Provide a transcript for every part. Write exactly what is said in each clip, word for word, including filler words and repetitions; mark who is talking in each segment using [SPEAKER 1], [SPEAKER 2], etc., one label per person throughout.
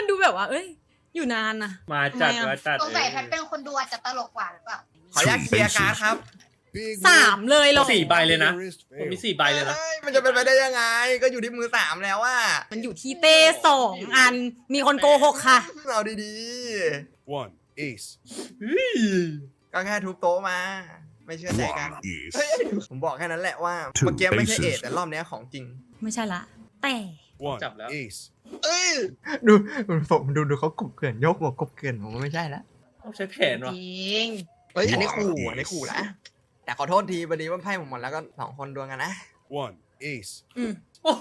[SPEAKER 1] ดูแบบว่าเอ้ยอยู่นานนะ
[SPEAKER 2] มาจัด
[SPEAKER 1] ทำไมอะ
[SPEAKER 2] มาจัด
[SPEAKER 3] สงสัยแพทเป็นคนดูอาจจะตลกกว่าหรือเปล่า
[SPEAKER 4] ขออนุญาตเคลียร์การ์ดครับ
[SPEAKER 1] สามเลยเหรอ
[SPEAKER 2] สี่ใบเลยนะผมมีสี่ใบเลยนะ
[SPEAKER 4] เอ้ยมันจะเป็นไปได้ยังไง ก็อยู่ที่มือสามแล้วว่า
[SPEAKER 1] มันอยู่ที่เต้สองอันมีคนโกหกค่ะ
[SPEAKER 4] เอาดี
[SPEAKER 5] One ace.
[SPEAKER 4] ๆ ก็แค่ทุบโต๊ะมา ไม่เชื่อใจกัน
[SPEAKER 5] One ace.
[SPEAKER 4] ผมบอกแค่นั้นแหละว่า
[SPEAKER 5] Two
[SPEAKER 4] เมื่อกี้ไม่ใช่
[SPEAKER 5] aces
[SPEAKER 4] เอทแต่รอบเนี้ยของจริง
[SPEAKER 1] ไม่ใช่ละ แต่
[SPEAKER 5] One
[SPEAKER 2] Chậpแล้ว
[SPEAKER 5] ace.
[SPEAKER 4] เอ้ยดูผมดูดูเขากบเกลื่อนยกหัวกบเกลื่อนผมว่าไม่ใช่ละ
[SPEAKER 2] ต้องใช้แผน
[SPEAKER 3] จ
[SPEAKER 2] วะ
[SPEAKER 3] ริง
[SPEAKER 4] เฮ้ยอันนี้ขู่อันนี้ขู่นะแต่ขอโทษทีพอดีว่าไพ่ผมหมดแล้วก็สองคนดวลกันนะ
[SPEAKER 5] One ace.
[SPEAKER 1] อืม
[SPEAKER 2] โอ้โห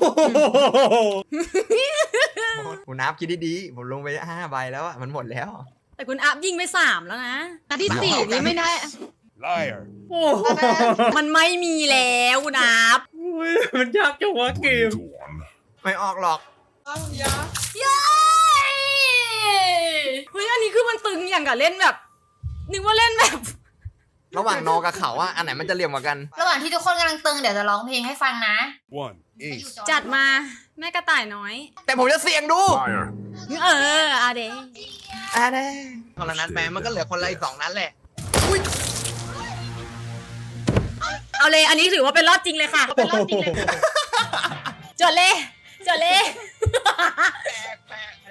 [SPEAKER 4] ผมนับคิดดีๆผมลงไปห้าใบแล้วอะมันหมดแล้ว
[SPEAKER 1] แต่คุณอัพยิงไปสามแล้วนะ
[SPEAKER 3] นัดที่สี่นี่ไม่ได้
[SPEAKER 5] Liar.
[SPEAKER 2] โอ้โห
[SPEAKER 1] มันไม่มีแล้วคุณอัพ
[SPEAKER 2] อุ๊ยมันยากจังวะเกม
[SPEAKER 5] To one.
[SPEAKER 4] ไม่ออกหรอก
[SPEAKER 1] เย้เฮ้ยอันนี้คือมันตึงอย่างกับเล่นแบบนึกว่าเล่นแบบ
[SPEAKER 4] ระหว่างนอกับเขาอะอันไหนมันจะเหลี่ยมกว่ากัน
[SPEAKER 3] ระหว่างที่ทุกคนกำลังตึงเดี๋ยวจะร้องเพลงให้ฟังนะ
[SPEAKER 5] One ace.
[SPEAKER 1] จัดมาแม่กระต่ายน้อย
[SPEAKER 4] แต่ผมจะเสี่ยงดู
[SPEAKER 5] Liar.
[SPEAKER 1] เอออาเด
[SPEAKER 4] อ่ะเด้คนละนัดแปมันก็เหลือคนละอีกสองนัดแหละ
[SPEAKER 1] เอาเลยอันนี้ถือว่าเป็นรอบจริงเลยค่ะ
[SPEAKER 3] เป็นรอบจริงเลย
[SPEAKER 1] จดเลยจดเลย
[SPEAKER 4] แปลกแปลก